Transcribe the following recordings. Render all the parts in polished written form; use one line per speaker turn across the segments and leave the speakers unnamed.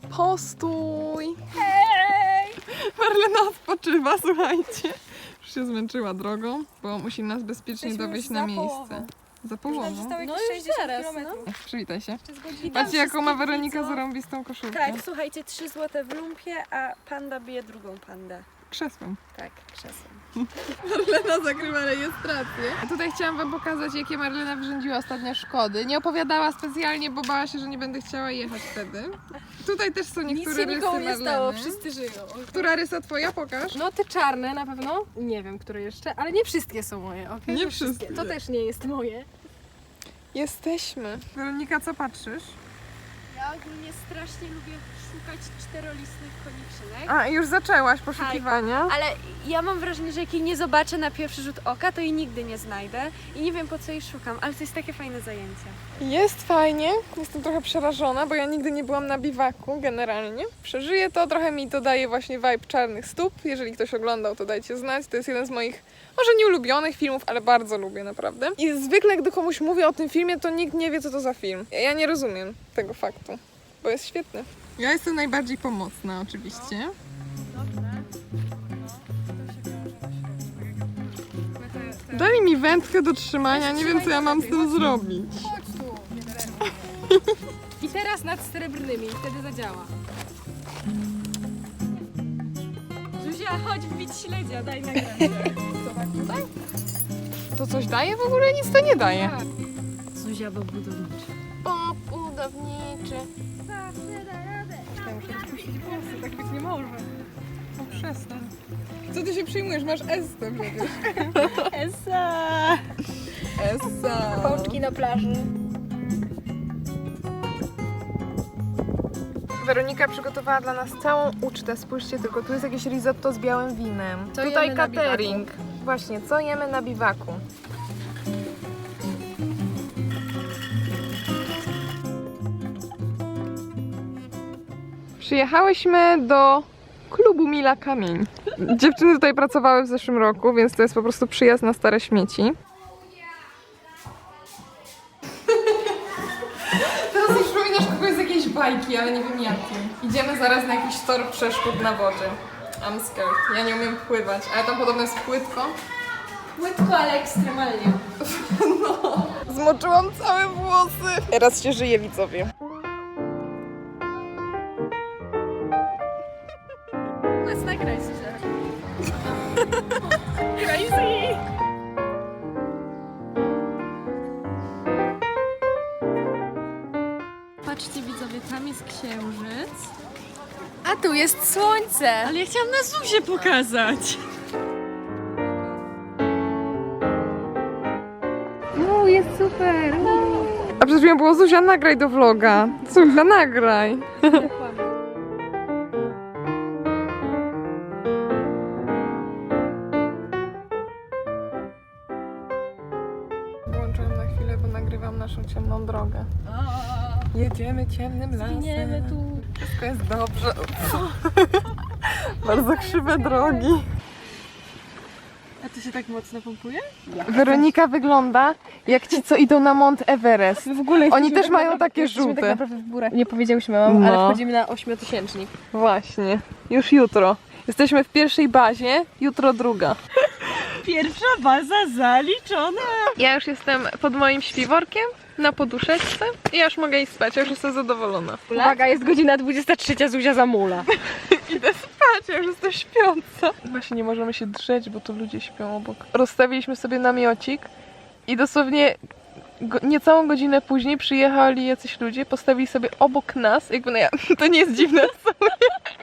Postój! Hej! Marlena odpoczywa, słuchajcie. Już się zmęczyła drogą, bo musi nas bezpiecznie dowieźć na miejsce. Za połową.
No już zaraz, no.
Przywitaj się. Patrzcie, jaką ma Weronika zarąbistą koszulkę.
Tak, słuchajcie, 3 złote w lumpie, a panda bije drugą pandę.
Krzesłem.
Tak, krzesłem.
Marlena zagrywa rejestrację. A tutaj chciałam wam pokazać, jakie Marlena wyrządziła ostatnio szkody. Nie opowiadała specjalnie, bo bała się, że nie będę chciała jechać wtedy. Tutaj też są niektóre rysy Marleny.
wszyscy żyją.
Która rysa twoja? Pokaż.
No te czarne na pewno, nie wiem, które jeszcze, ale nie wszystkie są moje, okej?
Nie wszystkie.
To też nie jest moje.
Jesteśmy. Weronika, co patrzysz?
Ja ogólnie strasznie lubię szukać czterolistnych koniczynek.
A, już zaczęłaś poszukiwania.
Ale ja mam wrażenie, że jak jej nie zobaczę na pierwszy rzut oka, to jej nigdy nie znajdę. I nie wiem, po co jej szukam, ale to jest takie fajne zajęcie.
Jest fajnie. Jestem trochę przerażona, bo ja nigdy nie byłam na biwaku generalnie. Przeżyję to, trochę mi to daje właśnie vibe Czarnych Stóp. Jeżeli ktoś oglądał, to dajcie znać. To jest jeden z moich, może nie ulubionych filmów, ale bardzo lubię naprawdę. I zwykle, gdy komuś mówię o tym filmie, to nikt nie wie, co to za film. Ja nie rozumiem tego faktu, bo jest świetny. Ja jestem najbardziej pomocna oczywiście. Dali mi wędkę do trzymania, nie wiem, co ja mam z tym zrobić.
Chodź tu, nie denerwuj. I teraz nad srebrnymi, wtedy zadziała.
Zuzia, chodź wbić śledzia, daj na
Co tak tutaj? To coś daje? W ogóle nic to nie daje.
Zuzia, bo budowniczy.
Bob budowniczy.
Ja muszę rozpuścić włosy, tak być nie może.
O, przestań. Co ty się przyjmujesz? Masz Estę przecież.
Esa!
Essa.
Pączki na plaży.
Weronika przygotowała dla nas całą ucztę. Spójrzcie tylko, tu jest jakieś risotto z białym winem.
Co
Tutaj
jemy na
catering. Właśnie, co jemy na biwaku? Przyjechałyśmy do klubu Mila Kamień. Dziewczyny tutaj pracowały w zeszłym roku, więc to jest po prostu przyjazd na stare śmieci. Teraz już przypominasz kogoś z jakiejś bajki, ale nie wiem jakiej. Idziemy zaraz na jakiś tor przeszkód na wodzie. I'm scared. Ja nie umiem pływać, ale tam podobno jest płytko.
Płytko, ale ekstremalnie.
No. Zmoczyłam całe włosy. Teraz się żyje, widzowie.
Let's nagraj, Zuzia.
Crazy!
Patrzcie, widzowie, tam jest księżyc.
A tu jest słońce!
Ale ja chciałam na Zuzię pokazać.
No, jest super!
A przed chwilą było Zuzia, nagraj do vloga. Zuzia, nagraj. Włączyłam na chwilę, bo nagrywam naszą ciemną drogę. Jedziemy ciemnym lasem.
Zginiemy tu.
Wszystko jest dobrze. Bardzo krzywe drogi.
A ty się tak mocno pompuje?
Weronika wygląda jak ci, co idą na Mount Everest.
W ogóle
Oni też mają takie
jesteśmy
żółte.
tak naprawdę w górach. Nie powiedziałyśmy wam,
No.
ale wchodzimy na 8-tysięcznik.
Właśnie. Już jutro. Jesteśmy w pierwszej bazie, jutro druga.
Pierwsza baza zaliczona.
Ja już jestem pod moim śpiworkiem na poduszeczce i ja już mogę iść spać, ja już jestem zadowolona.
Uwaga, jest godzina 23, Zuzia zamula.
Idę spać, ja już jestem śpiąca. Właśnie nie możemy się drzeć, bo tu ludzie śpią obok. Rozstawiliśmy sobie namiocik i dosłownie niecałą godzinę później przyjechali jacyś ludzie, postawili sobie obok nas, jakby to nie jest dziwne w sumie.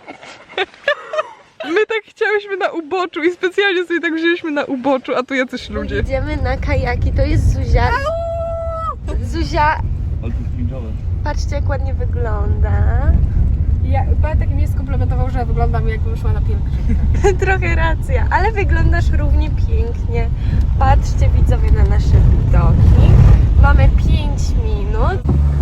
My tak chciałyśmy na uboczu i specjalnie sobie tak wzięliśmy na uboczu, a tu jacyś ludzie.
Idziemy na kajaki, to jest Zuzia. Zuzia,
Ale to jest cringe'owe.
patrzcie jak ładnie wygląda.
Pan tak mnie skomplementował, że wyglądam jakbym szła na pielgrzymkę.
Trochę racja, ale wyglądasz równie pięknie. Patrzcie, widzowie, na nasze widoki. Mamy 5 minut.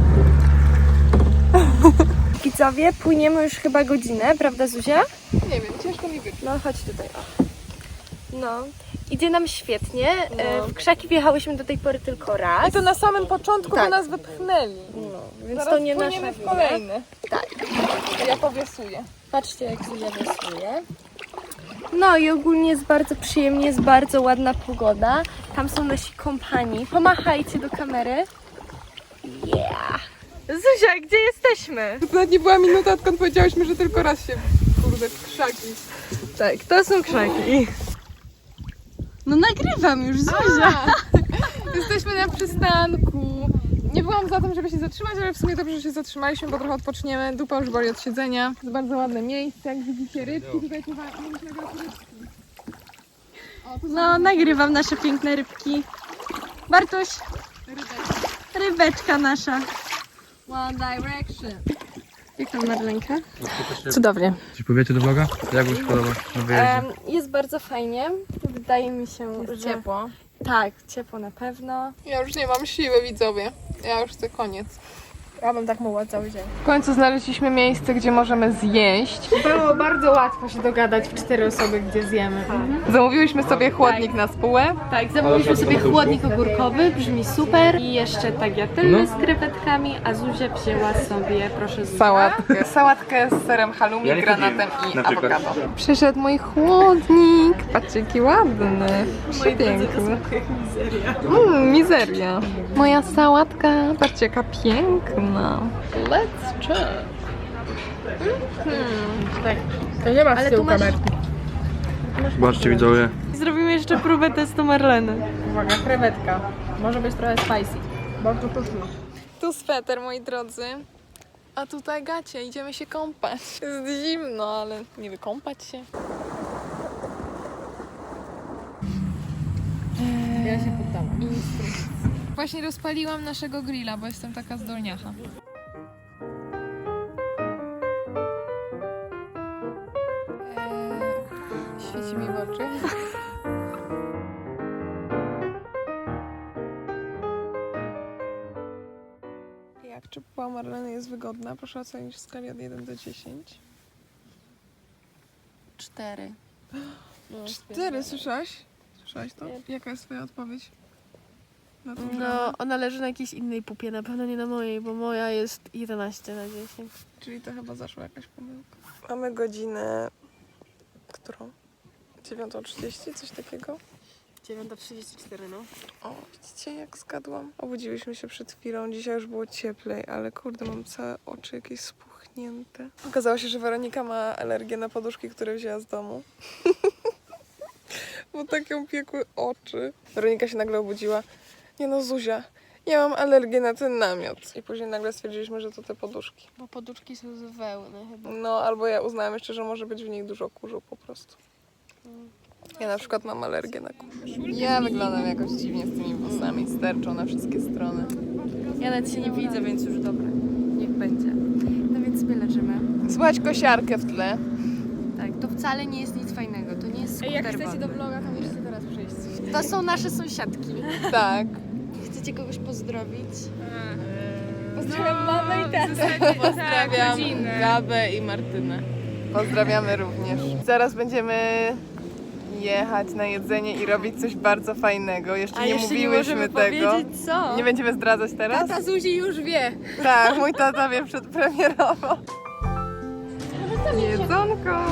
Widzowie, płyniemy już chyba godzinę, prawda Zuzia?
Nie wiem, ciężko mi wyczuć.
No chodź tutaj, o. No, idzie nam świetnie.
No.
W krzaki wjechałyśmy do tej pory tylko raz.
I to na samym początku,
Tak.
bo nas wypchnęli.
No, więc
Zaraz
to nie nasza
płyniemy w
wina.
kolejny.
Tak.
Ja powiesuję.
Patrzcie, jak Zuzia wiosłuje. No i ogólnie jest bardzo przyjemnie, jest bardzo ładna pogoda. Tam są nasi kompani. Pomachajcie do kamery. Yeah! Zuzia, gdzie jesteśmy?
To nawet nie była minuta, odkąd powiedziałyśmy, że tylko raz się kurde w krzaki.
Tak, to są krzaki. No nagrywam już, Zuzia.
Jesteśmy na przystanku. Nie byłam za tym, żeby się zatrzymać, ale w sumie dobrze, że się zatrzymaliśmy, bo trochę odpoczniemy. Dupa już boli od siedzenia. Jest bardzo ładne miejsce, jak widzicie rybki. Tutaj mogliśmy grać rybki.
No, nagrywam nasze piękne rybki. Bartuś, rybeczka nasza.
One Direction.
Jak tam Marlenka?
Cudownie.
Coś powiecie do vloga? Jak wam się podoba na wyjeździe?
Jest bardzo fajnie. Wydaje mi się, że...
Ciepło.
Tak, ciepło na pewno.
Ja już nie mam siły, widzowie. Ja już chcę koniec.
Ja bym tak mogła cały dzień.
W końcu znaleźliśmy miejsce, gdzie możemy zjeść.
Było bardzo łatwo się dogadać w 4 osoby, gdzie zjemy.
Zamówiłyśmy sobie chłodnik na spółę.
Tak, zamówiliśmy sobie chłodnik ogórkowy, brzmi super. I jeszcze tagliatelle z krewetkami, a Zuzia wzięła sobie, proszę Zuzia.
Sałatkę z serem halloumi,
Ja nie
granatem
chodziłem,
i
na przykład.
awokado. Przyszedł mój chłodnik. Patrzcie, jaki ładny. Przepiękny. Mizeria. Moja sałatka. Patrzcie, jaka piękna. Let's check.
To nie ma
Ale
z tyłu
tu masz-
kamerki.
Zobaczcie widzowie.
Zrobimy jeszcze próbę testu Marleny.
Uwaga, krewetka. Może być trochę spicy. Bardzo pyszne.
Tu sweter, moi drodzy. A tutaj gacie, idziemy się kąpać. Jest zimno, ale nie wykąpać się.
Ja się poddałam.
Właśnie rozpaliłam naszego grilla, bo jestem taka zdolniacha. Świeci mi w oczy. Jak czy pupa Marleny jest wygodna? Proszę ocenić w skali od 1 do 10.
4.
4, słyszałaś? Słyszałaś to? Jaka jest twoja odpowiedź? Na tą grę?
No, ona leży na jakiejś innej pupie, na pewno nie na mojej, bo moja jest 11 na 10.
Czyli to chyba zaszła jakaś pomyłka. Mamy godzinę... którą? 9:30, coś takiego?
9:34, no.
O, widzicie jak zgadłam? Obudziłyśmy się przed chwilą, dzisiaj już było cieplej, ale kurde, mam całe oczy jakieś spuchnięte. Okazało się, że Weronika ma alergię na poduszki, które wzięła z domu. Bo tak ją piekły oczy. Weronika się nagle obudziła. Nie no, Zuzia, ja mam alergię na ten namiot. I później nagle stwierdziliśmy, że to te poduszki.
Bo poduszki są z wełny chyba.
No, albo ja uznałam jeszcze, że może być w nich dużo kurzu po prostu. Ja na przykład mam alergię na kurz. Ja wyglądam jakoś dziwnie z tymi włosami, sterczą na wszystkie strony.
Ja nawet się nie widzę, więc już dobra. Niech będzie. No więc sobie leżymy.
Słychać kosiarkę w tle.
Tak, to wcale nie jest nic fajnego. To nie jest skuter
Jak chcecie
wodny.
do vloga, to musicie teraz przyjść.
To są nasze sąsiadki.
Tak.
Chcecie kogoś pozdrowić?
Pozdrawiam mamę i tatę.
Pozdrawiam Gabę i Martynę. Pozdrawiamy również. Zaraz będziemy jechać na jedzenie i robić coś bardzo fajnego. Jeszcze nie mówiłyśmy tego.
co.
Nie będziemy zdradzać teraz?
Tata Zuzi już wie.
Tak, mój tata wie przedpremierowo. Jedzonko!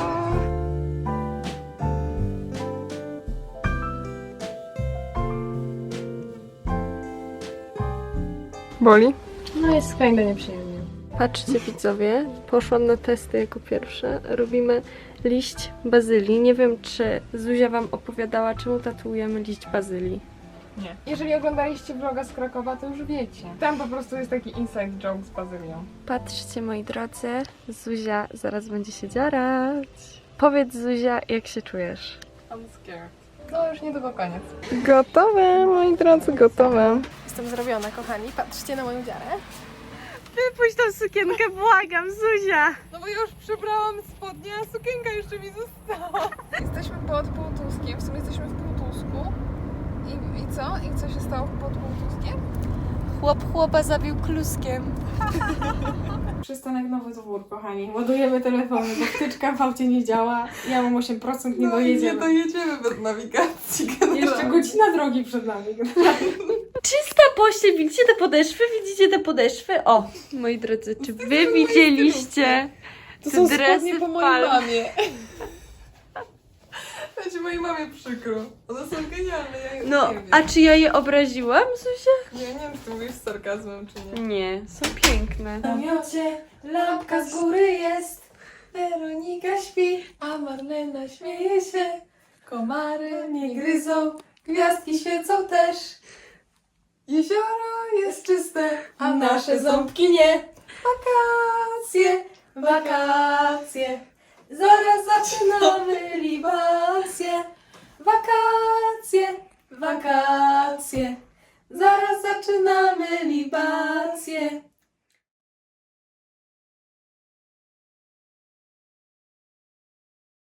Boli?
No jest fajnie nieprzyjemnie. Patrzcie widzowie, poszłam na testy jako pierwsza. Robimy liść bazylii. Nie wiem, czy Zuzia wam opowiadała, czemu tatuujemy liść bazylii.
Nie. Jeżeli oglądaliście vloga z Krakowa, to już wiecie. Tam po prostu jest taki inside joke z bazylią.
Patrzcie moi drodzy, Zuzia zaraz będzie się dziarać. Powiedz Zuzia, jak się czujesz?
I'm scared. No już niedługo koniec. Gotowe, moi drodzy, gotowe.
Jestem zrobiona, kochani. Patrzcie na moją dziarę.
Wypuść tą sukienkę, błagam, Zuzia!
No bo ja już przebrałam spodnie, a sukienka jeszcze mi została. Jesteśmy pod Półtuskiem, w sumie jesteśmy w Półtusku. I co? I co się stało pod Półtuskiem?
Chłop chłopa zabił kluskiem.
Przystanek Nowy Dwór, kochani. Ładujemy telefony, bo wtyczka w aucie nie działa. Ja mam 8%, nie dojedziemy.
dojedziemy bez nawigacji.
Jeszcze godzina drogi przed nami.
Czysta pościel, widzicie te podeszwy? Widzicie te podeszwy? O, moi drodzy, czy wy widzieliście
To
te
są
dresy
spodnie po
w
mojej
palmie?
mamie. Będzie mojej mamie przykro. One są genialne, ja
No,
nie wiem.
a czy ja je obraziłam, Zuzia?
Ja nie wiem, czy ty mówisz z sarkazmem, czy nie.
Nie, są piękne.
W namiocie lampka z góry jest. Weronika śpi, a Marlena śmieje się. Komary nie gryzą, gwiazdki świecą też. Jezioro jest czyste, a nasze ząbki nie. Wakacje, wakacje, zaraz zaczynamy libacje. Wakacje, wakacje, zaraz zaczynamy libacje.